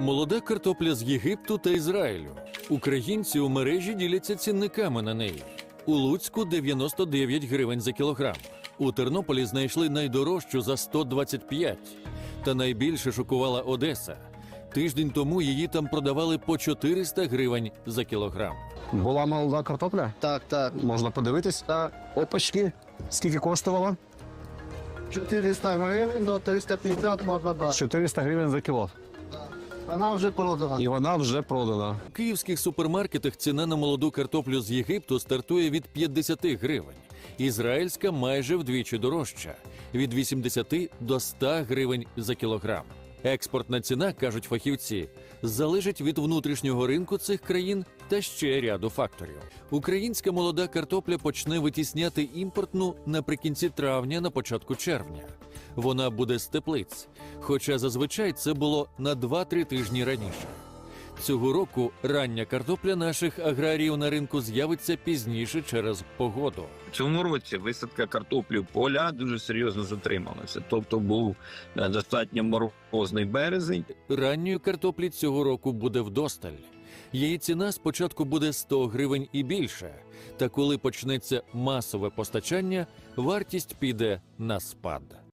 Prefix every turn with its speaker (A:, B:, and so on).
A: Молода картопля з Єгипту та Ізраїлю. Українці у мережі діляться цінниками на неї. У Луцьку – 99 гривень за кілограм. У Тернополі знайшли найдорожчу за 125. Та найбільше шокувала Одеса. Тиждень тому її там продавали по 400 гривень за кілограм.
B: Була молода картопля?
C: Так.
B: Можна подивитись?
C: Так.
B: Опачки. Скільки коштувала?
C: 400 гривень до 350 можна дати.
B: 400 гривень за кіло.
C: Вона вже продана.
B: І вона вже продана.
A: У київських супермаркетах ціна на молоду картоплю з Єгипту стартує від 50 гривень. Ізраїльська майже вдвічі дорожча – від 80 до 100 гривень за кілограм. Експортна ціна, кажуть фахівці, залежить від внутрішнього ринку цих країн та ще ряду факторів. Українська молода картопля почне витісняти імпортну наприкінці травня, на початку червня. Вона буде з теплиць, хоча зазвичай це було на 2-3 тижні раніше. Цього року рання картопля наших аграріїв на ринку з'явиться пізніше через погоду.
D: В цьому році висадка картоплі в поля дуже серйозно затрималася. Тобто був достатньо морозний березень.
A: Ранньої картоплі цього року буде вдосталь. Її ціна спочатку буде 100 гривень і більше. Та коли почнеться масове постачання, вартість піде на спад.